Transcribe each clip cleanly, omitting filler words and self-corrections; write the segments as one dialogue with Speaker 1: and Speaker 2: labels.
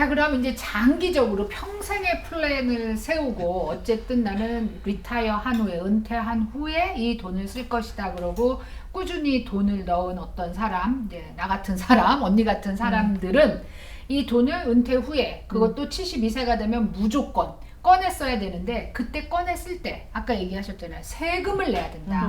Speaker 1: 자, 그럼 이제 장기적으로 평생의 플랜을 세우고 어쨌든 나는 리타이어 한 후에 은퇴한 후에 이 돈을 쓸 것이다 그러고 꾸준히 돈을 넣은 어떤 사람, 이제 나 같은 사람, 언니 같은 사람들은 이 돈을 은퇴 후에 그것도 72세가 되면 무조건 꺼내 써야 되는데 그때 꺼내 쓸 때 아까 얘기하셨잖아요. 세금을 내야 된다.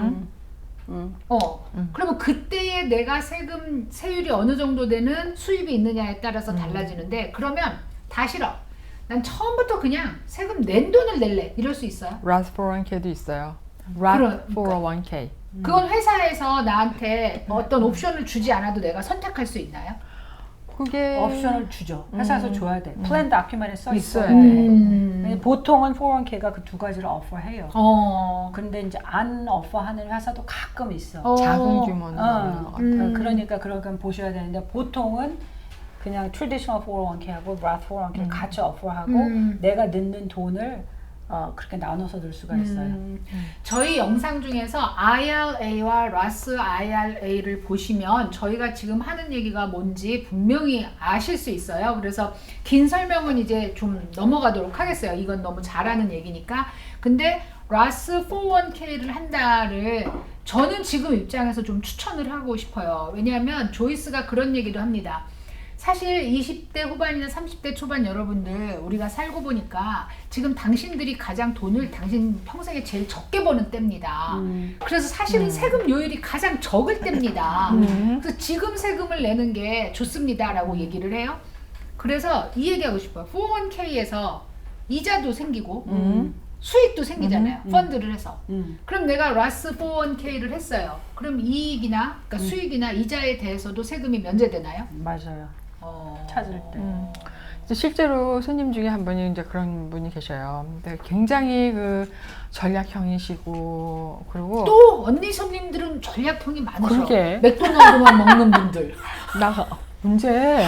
Speaker 1: 그러면 그때에 내가 세율이 어느 정도 되는 수입이 있느냐에 따라서 달라지는데 그러면 다 싫어. 난 처음부터 그냥 세금 낸 돈을 낼래. 이럴 수 있어요?
Speaker 2: Roth 401k도 있어요. Roth 401k.
Speaker 1: 그건 회사에서 나한테 어떤 옵션을 주지 않아도 내가 선택할 수 있나요?
Speaker 2: 그게
Speaker 3: 옵션을 주죠. 회사에서 줘야 돼. 플랜 다큐멘트에 써 있어야
Speaker 2: 있어야
Speaker 3: 돼. 보통은 401k가 그 두 가지를 오퍼해요. 근데 이제 안 오퍼하는 회사도 가끔 있어.
Speaker 2: 작은 규모는 없는 것 같아요.
Speaker 3: 그러니까 그런 보셔야 되는데 보통은 그냥 traditional 401k하고 Roth 401k 같이 오퍼하고 내가 넣는 돈을 그렇게 나눠서 넣을 수가 있어요.
Speaker 1: 저희 영상 중에서 IRA와 Roth IRA를 보시면 저희가 지금 하는 얘기가 뭔지 분명히 아실 수 있어요. 그래서 긴 설명은 이제 좀 넘어가도록 하겠어요. 이건 너무 잘하는 얘기니까. 근데 Roth 401k를 한다를 저는 지금 입장에서 좀 추천을 하고 싶어요. 왜냐하면 조이스가 그런 얘기도 합니다. 사실 20대 후반이나 30대 초반 여러분들 우리가 살고 보니까 지금 당신들이 가장 돈을 당신 평생에 제일 적게 버는 때입니다. 그래서 사실은 세금 요율이 가장 적을 때입니다. 그래서 지금 세금을 내는 게 좋습니다 라고 얘기를 해요. 그래서 이 얘기하고 싶어요. 401k에서 이자도 생기고 수익도 생기잖아요. 펀드를 해서. 그럼 내가 라스 401k를 했어요. 그럼 이익이나 그러니까 수익이나 이자에 대해서도 세금이 면제되나요?
Speaker 3: 맞아요. 찾을 때.
Speaker 2: 실제로 손님 중에 한 분이 이제 그런 분이 계셔요. 근데 굉장히 그 전략형이시고 그리고
Speaker 1: 또 언니 손님들은 전략형이 많으셔.
Speaker 2: 그러게.
Speaker 1: 맥도날드만 먹는 분들.
Speaker 2: 나 문제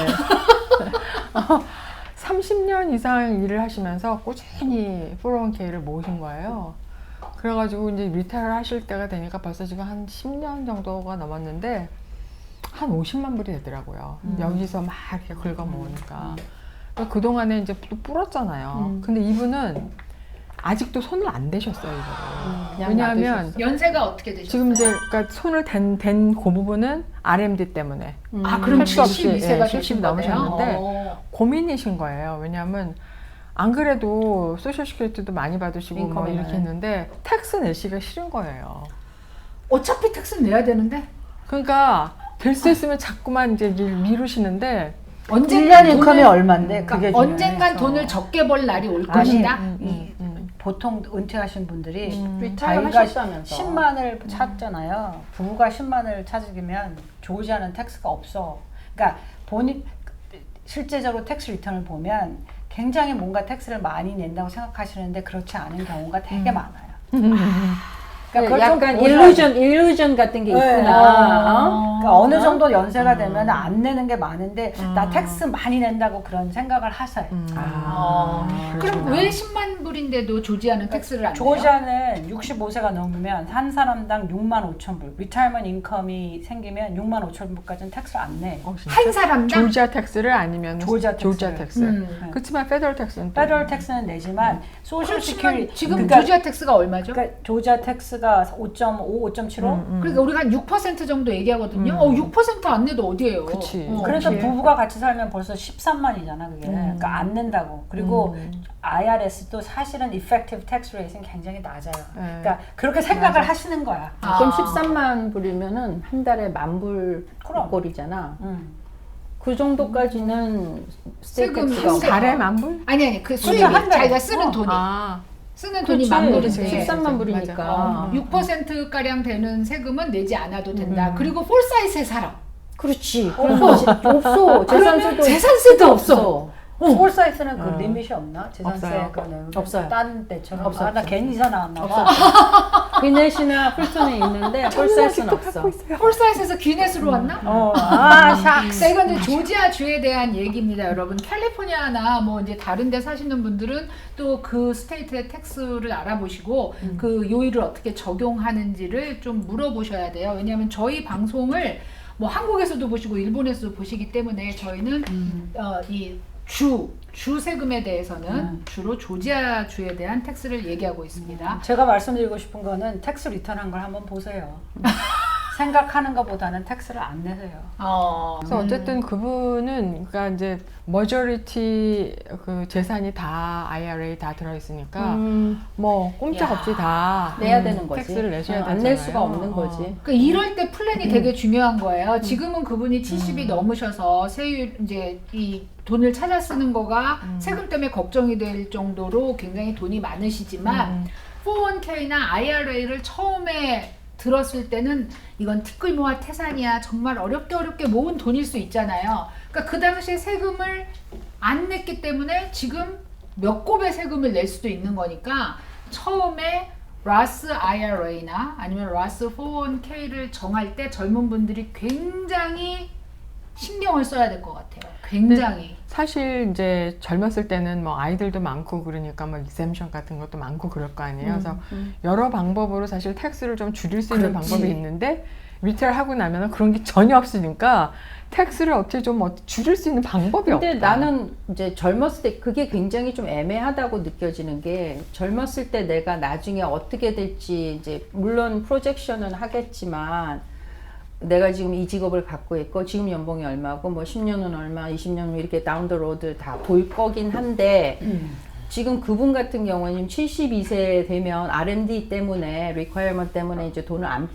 Speaker 2: 30년 이상 일을 하시면서 꾸준히 401k를 모으신 거예요. 그래가지고 이제 리타이어 하실 때가 되니까 벌써 지금 한 10년 정도가 넘었는데 한 50만 불이 되더라고요. 여기서 막 이렇게 긁어 모으니까. 그동안에 이제 또 불었잖아요. 근데 이분은 아직도 손을 안 대셨어요, 이거를. 왜냐하면
Speaker 1: 연세가 어떻게 되셨어요?
Speaker 2: 지금 이제 그러니까 손을 댄 그 부분은 RMD 때문에.
Speaker 1: 아, 그럼
Speaker 2: 할 수 없이,
Speaker 1: 72세가
Speaker 2: 70 넘으셨는데 고민이신 거예요. 왜냐하면 안 그래도 소셜시큐리티도 많이 받으시고 뭐 이렇게 했는데 텍스 내시기가 싫은 거예요.
Speaker 1: 어차피 텍스 내야 되는데
Speaker 2: 그러니까 될 수 있으면 자꾸만 이제 미루시는데
Speaker 3: 언젠간 인컴이 얼마인데 그게 중요해서.
Speaker 1: 언젠간 돈을 적게 벌 날이 올 것이다.
Speaker 3: 보통 은퇴하신 분들이
Speaker 4: 리타이어
Speaker 3: 자기가
Speaker 4: 하셨다면서.
Speaker 3: 10만을 찾잖아요. 부부가 10만을 찾으면 조지아는 텍스가 없어. 그러니까 본인 실제적으로 텍스 리턴을 보면 굉장히 뭔가 텍스를 많이 낸다고 생각하시는데 그렇지 않은 경우가 되게 많아요. 그러니까
Speaker 4: 약간 일루전 같은 게 있구나.
Speaker 3: 그러니까 어느 정도 연세가 되면 안 내는 게 많은데 나 텍스 많이 낸다고 그런 생각을 하세요.
Speaker 1: 그럼 왜 10만 불인데도 조지아는 텍스를 안 내요?
Speaker 3: 조지아는 65세가 넘으면 한 사람당 6만 5천 불, 리타이먼트 인컴이 생기면 6만 5천 불까지는 텍스를 안 내.
Speaker 1: 한 사람당?
Speaker 2: 조지아 텍스를 아니면
Speaker 3: 조지아
Speaker 2: 텍스. 그렇지만 페더럴 텍스는
Speaker 3: 페더럴 텍스는 내지만 소셜 시큐리티
Speaker 1: 지금 조지아 텍스가 얼마죠?
Speaker 3: 그러니까 조지아 텍스가 5.5, 5.75.
Speaker 1: 그러니까 우리가 한 6% 정도 얘기하거든요. 6%안 내도 어디예요?
Speaker 2: 그치.
Speaker 3: 그러니까 부부가 같이 살면 벌써 13만이잖아 그게. 그러니까 안 낸다고. 그리고 IRS도 사실은 effective tax rate는 굉장히 낮아요. 그러니까 그렇게 생각을 하시는 거야.
Speaker 4: 그럼 13만 불이면은 한 달에 10,000불
Speaker 3: 그럼.
Speaker 4: 꼴이잖아. 그 정도까지는
Speaker 1: 세금이
Speaker 4: 스테이트가
Speaker 1: 한
Speaker 2: 달에 만 불?
Speaker 1: 아니 그 수입이
Speaker 3: 한 달에.
Speaker 1: 자기가 쓰는 돈이 쓰는 돈이
Speaker 4: 그렇지.
Speaker 1: 만 불인데
Speaker 4: 13만 불이니까.
Speaker 1: 6% 가량 되는 세금은 내지 않아도 된다. 그리고 폴사이트에 살아.
Speaker 4: 그렇지. 없어. 재산세도
Speaker 1: 재산세도 없어.
Speaker 3: 폴사이트는 그 리밋이 없나? 재산세
Speaker 2: 없어요.
Speaker 3: 그거는
Speaker 4: 없어요.
Speaker 3: 딴 데처럼.
Speaker 4: 없어요.
Speaker 3: 나 괜히 이사 나왔나 봐.
Speaker 4: 비넷이나 풀턴에 있는데 폴사이트는 없어.
Speaker 1: 폴사이트에서 기네스로 왔나?
Speaker 3: 샥.
Speaker 1: 이건 이제 조지아 주에 대한 얘기입니다, 여러분. 캘리포니아나 뭐 이제 다른 데 사시는 분들은 또 그 스테이트의 텍스를 알아보시고 그 요일을 어떻게 적용하는지를 좀 물어보셔야 돼요. 왜냐하면 저희 방송을 뭐 한국에서도 보시고 일본에서도 보시기 때문에 저희는 이 주 세금에 대해서는 주로 조지아 주에 대한 텍스를 얘기하고 있습니다.
Speaker 3: 제가 말씀드리고 싶은 거는 텍스 리턴한 걸 한번 보세요. 생각하는 것보다는 텍스를 안 내세요.
Speaker 2: 그래서 어쨌든 그분은 그러니까 이제 머저리티 그 재산이 다 IRA 다 들어 있으니까 뭐 꼼짝없이 다
Speaker 4: 내야 되는 거지.
Speaker 2: 텍스를 내셔야 되잖아요.
Speaker 4: 안 낼 수가 없는 거지.
Speaker 1: 그러니까 이럴 때 플랜이 되게 중요한 거예요. 지금은 그분이 70이 넘으셔서 세율 이제 이 돈을 찾아 쓰는 거가 세금 때문에 걱정이 될 정도로 굉장히 돈이 많으시지만 401k나 IRA를 처음에 들었을 때는 이건 티끌모아 태산이야. 정말 어렵게 모은 돈일 수 있잖아요. 그러니까 그 당시에 세금을 안 냈기 때문에 지금 몇 곱의 세금을 낼 수도 있는 거니까 처음에 라스 IRA나 아니면 라스 401k를 정할 때 젊은 분들이 굉장히 신경을 써야 될 것 같아요. 굉장히.
Speaker 2: 사실 이제 젊었을 때는 뭐 아이들도 많고 그러니까 뭐 리셈션 같은 것도 많고 그럴 거 아니에요. 그래서 여러 방법으로 사실 텍스를 좀 줄일 수 있는
Speaker 1: 그렇지.
Speaker 2: 방법이 있는데 리타를 하고 나면은 그런 게 전혀 없으니까 텍스를 어떻게 좀 줄일 수 있는 방법이
Speaker 4: 근데
Speaker 2: 없다.
Speaker 4: 나는 이제 젊었을 때 그게 굉장히 좀 애매하다고 느껴지는 게 젊었을 때 내가 나중에 어떻게 될지 이제 물론 프로젝션은 하겠지만 내가 지금 이 직업을 갖고 있고 지금 연봉이 얼마고 뭐 10년은 얼마 20년은 이렇게 다운 더 로드 다 볼 거긴 한데 지금 그분 같은 경우는 72세 되면 R&D 때문에 requirement 때문에 이제 돈을 안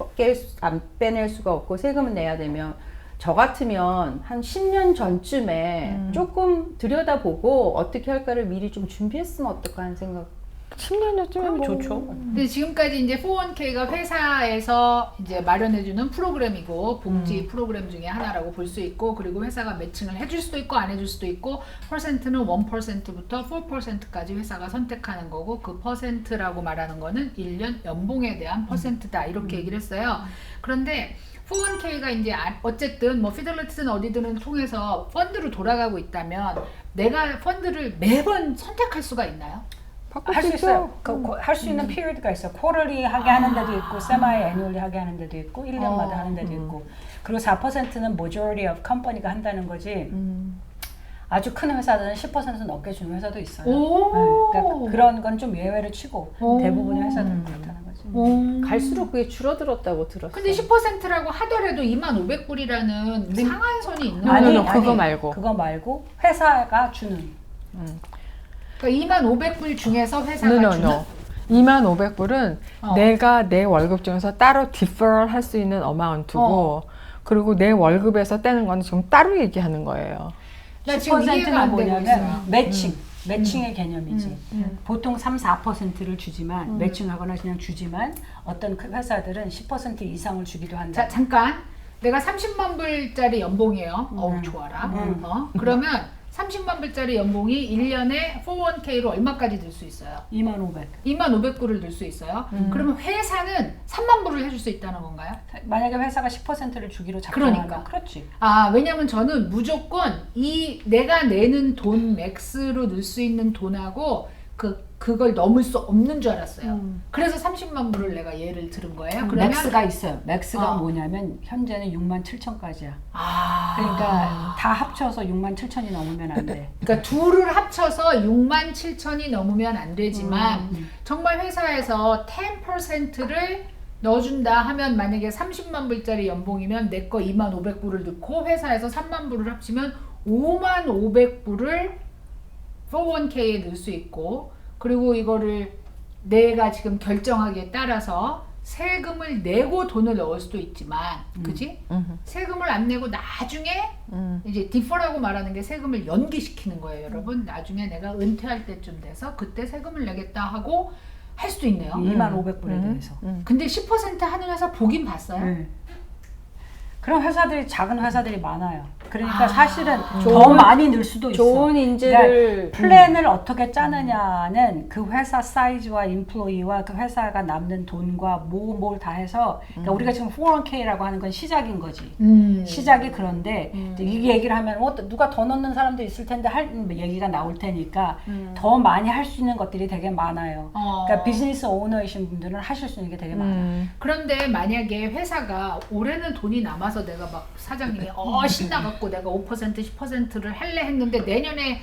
Speaker 4: 빼낼 수가 없고 세금을 내야 되면 저 같으면 한 10년 전쯤에 조금 들여다보고 어떻게 할까를 미리 좀 준비했으면 어떨까 하는 생각.
Speaker 2: 10년 전쯤에 뭐
Speaker 3: 좋죠.
Speaker 1: 근데 지금까지 이제 401k가 회사에서 이제 마련해주는 프로그램이고 봉지 프로그램 중에 하나라고 볼 수 있고 그리고 회사가 매칭을 해줄 수도 있고 안 해줄 수도 있고 퍼센트는 1%부터 4%까지 회사가 선택하는 거고 그 퍼센트라고 말하는 거는 1년 연봉에 대한 퍼센트다 이렇게 얘기를 했어요. 그런데 401k가 이제 어쨌든 뭐 피델리티든 어디든 통해서 펀드로 돌아가고 있다면 내가 펀드를 매번 선택할 수가 있나요?
Speaker 3: 할 수 있어요. 할 수 있는 피리드가 있어요. 쿼럴리 하게 하는 데도 있고 세마이 애뉴얼리 하게 하는 데도 있고 1년마다 하는 데도 있고 그리고 4%는 majority of company가 한다는 거지 아주 큰 회사들은 10% 넘게 주는 회사도 있어요. 그러니까 그런 건 좀 예외를 치고 대부분의 회사들은 그렇다는 거지.
Speaker 4: 갈수록 그게 줄어들었다고 들었어.
Speaker 1: 근데 10%라고 하더라도 25,000불이라는 상한선이 있는
Speaker 2: 아니,
Speaker 1: 거예요.
Speaker 2: 그거 말고.
Speaker 3: 그거 말고 회사가 주는.
Speaker 1: 그러니까 25,000불 중에서 회사가 주는
Speaker 2: 25,000불은
Speaker 1: 어.
Speaker 2: 내가 내 월급 중에서 따로 디퍼럴 할 수 있는 어마운트고 그리고 내 월급에서 떼는 건 지금 따로 얘기하는 거예요.
Speaker 1: 나 지금 이해가 안 되고 있어요.
Speaker 3: 뭐냐면 매칭의 개념이지. 보통 3, 4%를 주지만 매칭하거나 그냥 주지만 어떤 그 회사들은 10% 이상을 주기도 한다.
Speaker 1: 자, 잠깐. 내가 30만 불짜리 연봉이에요. 어우, 좋아라. 그러면 30만 불짜리 연봉이 1년에 401k로 얼마까지 들 수 있어요?
Speaker 3: 25,000.
Speaker 1: 25,000불을 들 수 있어요. 그러면 회사는 3만 불을 해줄 수 있다는 건가요?
Speaker 3: 만약에 회사가 10%를 주기로 작정하면
Speaker 1: 그러니까.
Speaker 3: 그렇지.
Speaker 1: 왜냐면 저는 무조건 이 내가 내는 돈 맥스로 넣을 수 있는 돈하고 그걸 넘을 수 없는 줄 알았어요. 그래서 30만 불을 내가 예를 들은 거예요. 그러면
Speaker 3: 맥스가 있어요. 맥스가
Speaker 1: 어.
Speaker 3: 뭐냐면 현재는 67,000까지야.
Speaker 1: 아.
Speaker 3: 그러니까 다 합쳐서 67,000이 넘으면 안 돼.
Speaker 1: 그러니까 둘을 합쳐서 67,000이 넘으면 안 되지만 정말 회사에서 10%를 넣어준다 하면 만약에 30만 불짜리 연봉이면 내 거 25,000불을 넣고 회사에서 3만 불을 합치면 55,500불을 401k에 넣을 수 있고 그리고 이거를 내가 지금 결정하기에 따라서 세금을 내고 돈을 넣을 수도 있지만 그지? 세금을 안 내고 나중에 이제 디퍼라고 말하는 게 세금을 연기시키는 거예요 여러분. 나중에 내가 은퇴할 때쯤 돼서 그때 세금을 내겠다 하고 할 수도 있네요.
Speaker 3: 25,000불에 대해서.
Speaker 1: 근데 10% 하는 회사 보긴 봤어요.
Speaker 3: 네. 그런 회사들이 작은 회사들이 많아요. 그러니까 사실은 더
Speaker 4: 좋은-
Speaker 3: 많이 늘 수도 있어.
Speaker 4: 좋은 인재를
Speaker 3: 그러니까 플랜을 어떻게 짜느냐는 그 회사 사이즈와 인플로이와 그 회사가 남는 돈과 뭘 다 해서 그러니까 우리가 지금 401k라고 하는 건 시작인 거지. 시작이 그런데 이제 이 얘기를 하면 누가 더 넣는 사람도 있을 텐데 할 얘기가 나올 테니까 더 많이 할 수 있는 것들이 되게 많아요. 그러니까 비즈니스 오너이신 분들은 하실 수 있는 게 되게 많아요.
Speaker 1: 그런데 만약에 회사가 올해는 돈이 남아서 내가 막 사장님이 신나갖고 내가 5% 10%를 할래 했는데 내년에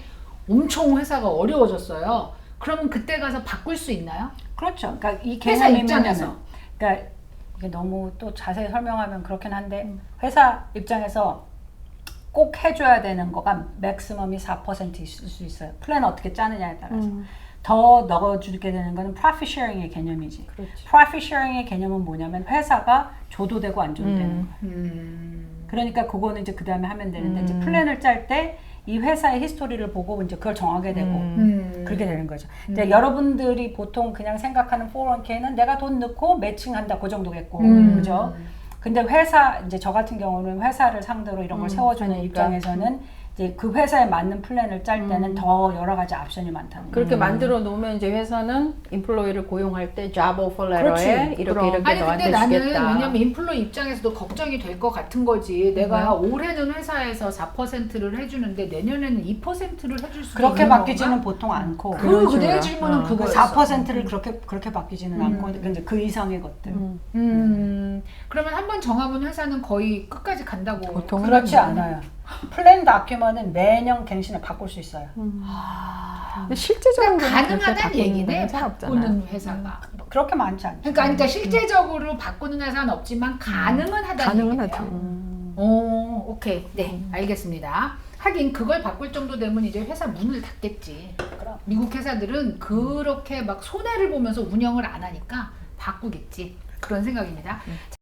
Speaker 1: 엄청 회사가 어려워졌어요. 그러면 그때 가서 바꿀 수 있나요?
Speaker 3: 그렇죠. 그러니까 이
Speaker 1: 회사
Speaker 3: 개념이
Speaker 1: 입장에서.
Speaker 3: 뭐냐면, 그러니까 이게 너무 또 자세히 설명하면 그렇긴 한데 회사 입장에서 꼭 해줘야 되는 거가 맥시멈이 4% 있을 수 있어요. 플랜 어떻게 짜느냐에 따라서. 더 넣어주게 되는 거는 profit sharing의 개념이지.
Speaker 4: 그렇지.
Speaker 3: profit sharing의 개념은 뭐냐면 회사가 줘도 되고 안 줘도 되는 거야. 그러니까 그거는 이제 그 다음에 하면 되는데 이제 플랜을 짤 때 이 회사의 히스토리를 보고 이제 그걸 정하게 되고 그렇게 되는 거죠. 이제 여러분들이 보통 그냥 생각하는 401k는 내가 돈 넣고 매칭한다 그 정도겠고, 그죠? 근데 회사 이제 저 같은 경우는 회사를 상대로 이런 걸 세워주는
Speaker 4: 그러니까.
Speaker 3: 입장에서는 이제 그 회사에 맞는 플랜을 짤 때는 더 여러 가지 옵션이 많다는 거예요.
Speaker 4: 그렇게 만들어 놓으면 이제 회사는 인플로이를 고용할 때 job offer
Speaker 3: 그렇지.
Speaker 4: letter에 이렇게
Speaker 2: 그럼.
Speaker 4: 이렇게
Speaker 1: 아니
Speaker 4: 너한테
Speaker 1: 근데 나는
Speaker 4: 주겠다.
Speaker 1: 왜냐면 인플루이 입장에서도 걱정이 될 것 같은 거지. 내가 올해는 회사에서 4%를 해주는데 내년에는 2%를 해줄 수
Speaker 3: 그렇게
Speaker 1: 있는
Speaker 3: 바뀌지는
Speaker 1: 건가?
Speaker 3: 보통 않고
Speaker 1: 그
Speaker 2: 식으로.
Speaker 1: 내 질문은
Speaker 3: 그
Speaker 1: 그거였어.
Speaker 3: 4%를 그렇게 바뀌지는 않고 근데 그 이상의 것들.
Speaker 1: 그러면 한번 정하면 회사는 거의 끝까지 간다고.
Speaker 2: 보통은
Speaker 3: 그렇지 않아요. 플랜 다큐먼은 매년 갱신을 바꿀 수 있어요.
Speaker 2: 근데 실제적으로
Speaker 1: 그러니까 가능하다는 얘기네.
Speaker 2: 없잖아요.
Speaker 1: 바꾸는 회사가.
Speaker 3: 그렇게 많지 않죠.
Speaker 1: 그러니까 실제적으로 바꾸는 회사는 없지만 가능은 하다는
Speaker 2: 가능은
Speaker 1: 얘기네요.
Speaker 2: 하죠.
Speaker 1: 오, 오케이. 네, 알겠습니다. 하긴 그걸 바꿀 정도 되면 이제 회사 문을 닫겠지.
Speaker 3: 그럼.
Speaker 1: 미국 회사들은 그렇게 막 손해를 보면서 운영을 안 하니까 바꾸겠지. 그런 생각입니다.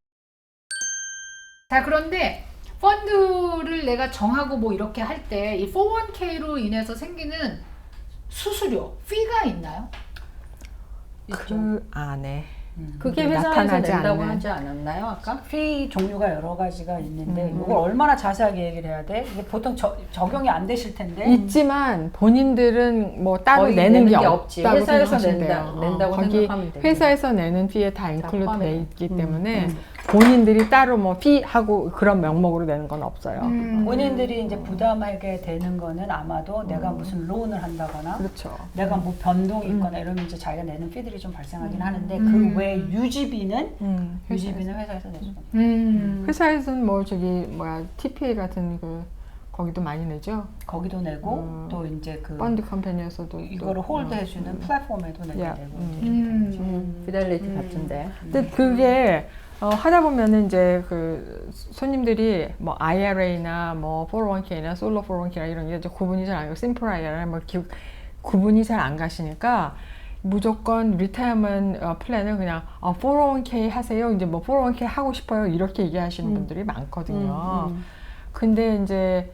Speaker 1: 자, 그런데 펀드를 내가 정하고 뭐 이렇게 할 때 이 401k로 인해서 생기는 수수료, fee가 있나요?
Speaker 2: 그 안에
Speaker 4: 그게 회사에서
Speaker 2: 나타나지
Speaker 4: 낸다고
Speaker 2: 않는.
Speaker 4: 하지 않았나요 아까?
Speaker 3: 피 종류가 여러 가지가 있는데 이걸 얼마나 자세하게 얘기를 해야 돼? 이게 보통 적용이 안 되실 텐데.
Speaker 2: 있지만 본인들은 뭐 따로
Speaker 4: 거의
Speaker 2: 내는 게
Speaker 4: 없지.
Speaker 2: 없다고
Speaker 4: 회사에서
Speaker 2: 생각하시면
Speaker 4: 낸다고
Speaker 2: 거기
Speaker 4: 생각하면 되죠.
Speaker 2: 회사에서 내는 피에 다 인클루드
Speaker 4: 포함해.
Speaker 2: 돼 있기 때문에 본인들이 따로 뭐 피 하고 그런 명목으로 내는 건 없어요.
Speaker 3: 본인들이 이제 부담하게 되는 거는 아마도 내가 무슨 론을 한다거나
Speaker 2: 그렇죠.
Speaker 3: 내가 뭐 변동이 있거나 이러면 이제 자기가 내는 피들이 좀 발생하긴 하는데 그 외 유지비는 회사에서 내죠.
Speaker 2: 회사에서는 뭐 저기 뭐야 TPA 같은 그 거기도 많이 내죠.
Speaker 3: 거기도 내고 또 이제 그
Speaker 2: 펀드 컴퍼니에서도
Speaker 3: 이거를 홀드해주는 플랫폼에도 내게
Speaker 2: 야,
Speaker 3: 되고
Speaker 4: 피델리티 같은데.
Speaker 2: 근데 그게 하다 보면은 이제 그 손님들이 뭐 IRA나 뭐 401k나 솔로 401k나 이런 게 이제 구분이 잘 안 가고 심플 IRA 뭐 구분이 잘 안 가시니까 무조건 리타이어먼트 플랜을 그냥 401k 하세요. 이제 뭐 401k 하고 싶어요. 이렇게 얘기하시는 분들이 많거든요. 근데 이제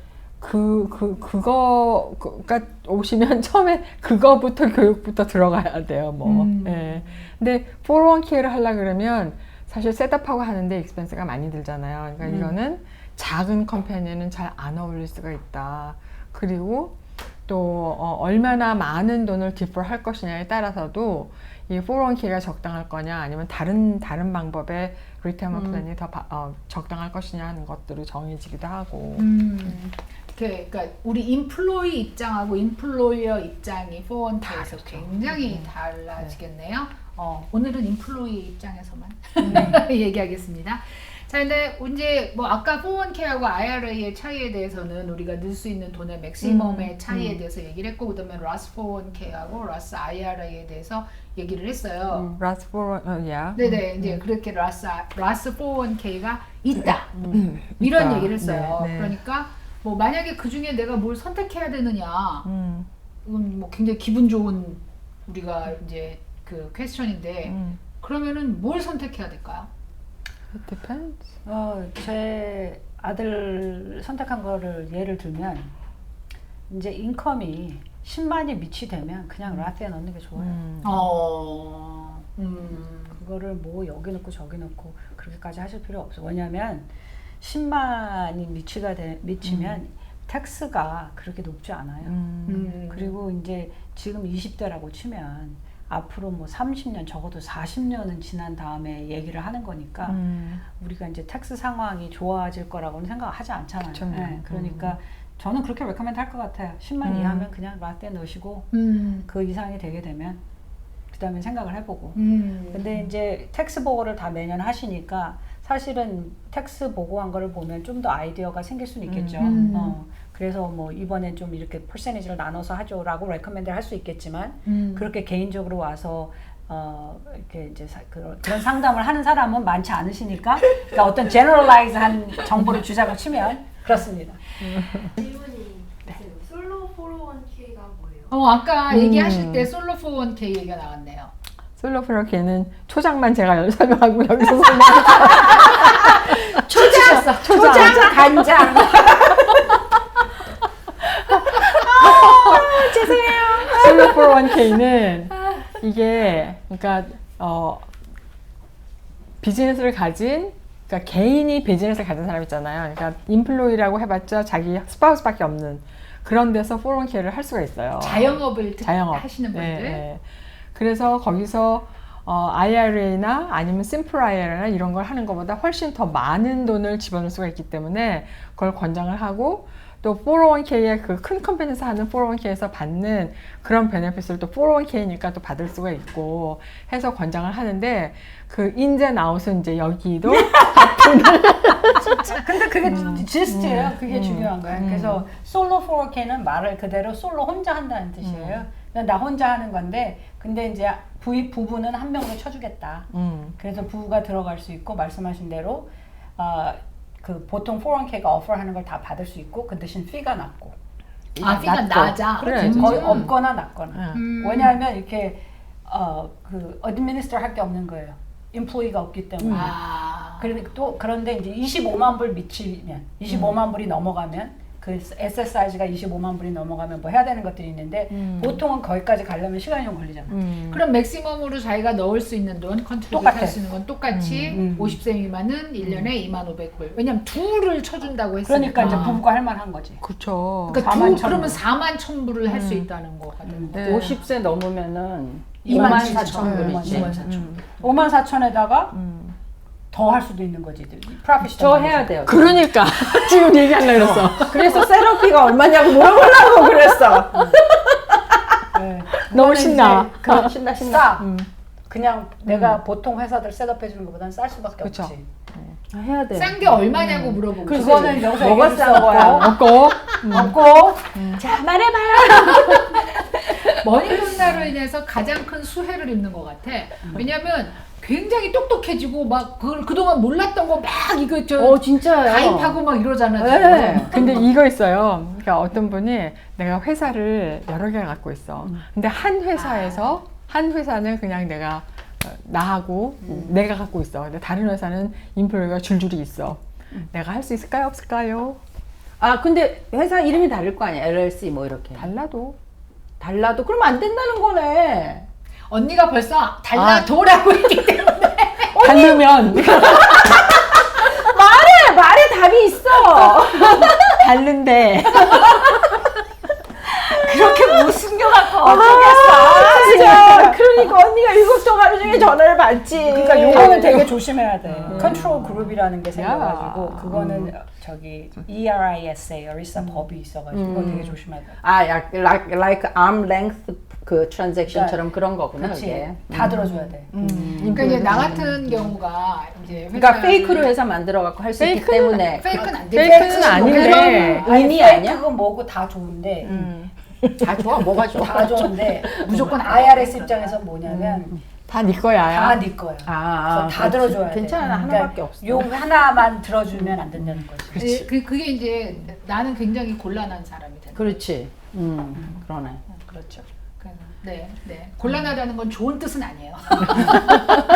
Speaker 2: 그거가 오시면 처음에 그거부터 교육부터 들어가야 돼요. 뭐. 예. 근데 401k를 하려 그러면 사실 셋업하고 하는데 익스펜스가 많이 들잖아요. 그러니까 이거는 작은 컴퍼니는 잘 안 어울릴 수가 있다. 그리고 또 얼마나 많은 돈을 디폴 할 것이냐에 따라서도 이 401k가 적당할 거냐 아니면 다른 방법의 리타이어먼트 플랜이 더 적당할 것이냐 하는 것들이 정해지기도 하고.
Speaker 1: 그러니까 우리 인플로이 입장하고 인플로이어 입장이 401k에서 굉장히 달라지겠네요. 오늘은 인플로이 입장에서만 얘기하겠습니다. 자, 근데 이제 뭐 아까 401k하고 IRA의 차이에 대해서는 우리가 넣을 수 있는 돈의 맥시멈의 차이에 대해서 얘기를 했고, 그다음에 러스 401k하고 러스 IRA에 대해서 얘기를 했어요.
Speaker 2: 라스 401,
Speaker 1: 네네, 이제 그렇게 러스 401k가 있다. 이런
Speaker 2: 있다.
Speaker 1: 얘기를 했어요.
Speaker 2: 네, 네.
Speaker 1: 그러니까 뭐 만약에 그 중에 내가 뭘 선택해야 되느냐, 뭐 굉장히 기분 좋은 우리가 이제 그 퀘스천인데 그러면은 뭘 선택해야 될까요?
Speaker 2: It depends.
Speaker 3: 제 아들 선택한 거를 예를 들면 이제 인컴이 10만이 미치되면 그냥 라트에 넣는 게 좋아요. 그거를 뭐 여기 넣고 저기 넣고 그렇게까지 하실 필요 없어. 왜냐하면 10만이 미치면 텍스가 그렇게 높지 않아요. 그리고 이제 지금 20대라고 치면 앞으로 뭐 30년 적어도 40년은 지난 다음에 얘기를 하는 거니까 우리가 이제 텍스 상황이 좋아질 거라고는 생각하지 않잖아요.
Speaker 2: 그쵸.
Speaker 3: 네, 그러니까 저는 그렇게 레커멘드 할 것 같아요. 10만 이하면 그냥 라떼 넣으시고 그 이상이 되게 되면 그 다음에 생각을 해보고 근데 이제 텍스 보고를 다 매년 하시니까 사실은 텍스 보고한 거를 보면 좀 더 아이디어가 생길 수는 있겠죠. 그래서 뭐 이번엔 좀 이렇게 퍼센티지를 나눠서 하죠라고 레커멘드를 할 수 있겠지만 그렇게 개인적으로 와서 이렇게 이제 그런 상담을 하는 사람은 많지 않으시니까 그러니까 어떤 제너럴라이즈한 정보를 주자고 치면 그렇습니다.
Speaker 5: 질문이 있어요. 솔로 401k가 뭐예요?
Speaker 1: 아까 얘기하실 때 솔로 401k 얘기가 나왔네요.
Speaker 2: 솔로프로케는 초장만 제가 설명하고 여기서 설명하고
Speaker 1: 초장
Speaker 4: 간장.
Speaker 2: 솔로401k는 이게 그러니까 비즈니스를 가진 그러니까 개인이 비즈니스를 가진 사람 있잖아요. 그러니까 인플로이라고 해봤자 자기 스파우스밖에 없는 그런 데서 401k를 할 수가 있어요.
Speaker 1: 자영업을
Speaker 2: 자영업.
Speaker 1: 하시는 분들.
Speaker 2: 네, 네. 그래서 거기서 IRA나 아니면 심플 IRA나 이런 걸 하는 것보다 훨씬 더 많은 돈을 집어넣을 수가 있기 때문에 그걸 권장을 하고 또 401k의 그 큰 컴퍼니에서 하는 401k에서 받는 그런 베네핏을 또 401k니까 또 받을 수가 있고 해서 권장을 하는데 그 인제 나웃은 이제 여기도
Speaker 3: 근데 그게 지스트예요. 그게 중요한 거예요. 그래서 솔로 401k는 말을 그대로 솔로 혼자 한다는 뜻이에요. 그냥 나 혼자 하는 건데 근데 이제 부부는 한 명으로 쳐주겠다. 그래서 부부가 들어갈 수 있고 말씀하신 대로 그 보통 401k가 오퍼하는 걸 다 받을 수 있고 그 대신 피가 낮고
Speaker 1: 피가 낮아.
Speaker 2: 그래.
Speaker 3: 거의 없거나 낮거나.
Speaker 2: 음.
Speaker 3: 왜냐하면 이렇게 그 어드미니스터 할 게 없는 거예요. 인플로이가 없기 때문에. 그런데 이제 25만 불 미치면 25만 불이 넘어가면 그 SSI가 25만 불이 넘어가면 뭐 해야 되는 것들이 있는데 보통은 거기까지 가려면 시간이 좀 걸리잖아요.
Speaker 1: 그럼 맥시멈으로 자기가 넣을 수 있는 돈, 컨트롤 할 수 있는 건 똑같이 50세 미만은 1년에 2,500불. 왜냐면 둘을 쳐준다고 했으니까.
Speaker 3: 그러니까 이제 부부가 할 만한 거지.
Speaker 2: 그렇죠.
Speaker 1: 그러니까
Speaker 3: 4만
Speaker 1: 그러면 4만 1,000불을 할 수 있다는 거거든요.
Speaker 2: 네.
Speaker 4: 50세 넘으면은
Speaker 3: 24,000불.
Speaker 4: 24,000불이지.
Speaker 3: 54,000에다가 더 할 수도 있는 거지. 프로핏이
Speaker 4: 저 해야 돼요.
Speaker 2: 그러니까 지금 얘기하려고 그랬어.
Speaker 4: 그래서 세러피가 얼마냐고 물어보려고 그랬어.
Speaker 3: 네.
Speaker 2: 너무 신나.
Speaker 4: 신나.
Speaker 3: 싸. 그냥 내가 보통 회사들 셋업해 주는 것보다는 쌀 수밖에
Speaker 2: 그쵸.
Speaker 3: 없지.
Speaker 4: 해야 돼.
Speaker 1: 싼 게 얼마냐고 물어보고.
Speaker 3: 그거는 여기서
Speaker 4: 뭐가
Speaker 3: 얘기할 수
Speaker 4: 싼 거야?
Speaker 3: 없고.
Speaker 2: 없고
Speaker 4: 자, 말해봐요.
Speaker 1: 머니돈나로 인해서 가장 큰 수혜를 입는 것 같아. 왜냐면 굉장히 똑똑해지고 막 그동안 몰랐던 거 막 이거
Speaker 4: 진짜요.
Speaker 1: 가입하고 막 이러잖아.
Speaker 4: 네.
Speaker 1: 지금.
Speaker 2: 근데 이거 있어요. 그러니까 어떤 분이 내가 회사를 여러 개 갖고 있어. 근데 한 회사에서 한 회사는 그냥 내가 나하고 내가 갖고 있어. 근데 다른 회사는 인플루가 줄줄이 있어. 내가 할 수 있을까요? 없을까요?
Speaker 4: 근데 회사 이름이 다를 거 아니야. LLC 뭐 이렇게.
Speaker 2: 달라도.
Speaker 4: 달라도 그러면 안 된다는 거네.
Speaker 1: 언니가 벌써 달라도라고 했기 때문에.
Speaker 2: 다르면
Speaker 4: 말에 답이 있어.
Speaker 2: 다른데
Speaker 3: 그렇게 못 숨겨갖고
Speaker 4: 진짜. 그러니까 언니가 7통 하루 종일 전화를 받지.
Speaker 3: 그러니까 요거는 되게 조심해야 돼. 컨트롤 그룹이라는 게 생겨가지고
Speaker 2: 야.
Speaker 3: 그거는 저기 ERISA, ERISA 법이 있어가지고 그거 되게 조심해야 돼.
Speaker 4: like arm length 그 트랜잭션처럼 그런 거구나.
Speaker 3: 그렇지.
Speaker 4: 그게.
Speaker 3: 다 들어줘야 돼.
Speaker 1: 그러니까 이제 나 같은 경우가 이제
Speaker 4: 그러니까 페이크로 회사 만들어 갖고 할 수 있기 때문에.
Speaker 1: 페이크는 안 되지.
Speaker 2: 페이크는 아닌데
Speaker 4: 의미 아니야?
Speaker 3: 그거 뭐고 다 좋은데
Speaker 4: 다 좋아. 뭐가 좋아?
Speaker 3: 다 좋은데
Speaker 1: 무조건
Speaker 3: IRS 입장에서 뭐냐면
Speaker 2: 다 네 거야.
Speaker 3: 다 네 거야. 그래서 다
Speaker 4: 그렇지.
Speaker 3: 들어줘야 돼.
Speaker 4: 괜찮아. 하나밖에 없어.
Speaker 3: 요 하나만 들어주면 안 된다는 거지.
Speaker 1: 그게 이제 나는 굉장히 곤란한 사람이 된다.
Speaker 4: 그렇지. 그러네.
Speaker 3: 그렇죠.
Speaker 1: 네. 곤란하다는 건 좋은 뜻은 아니에요.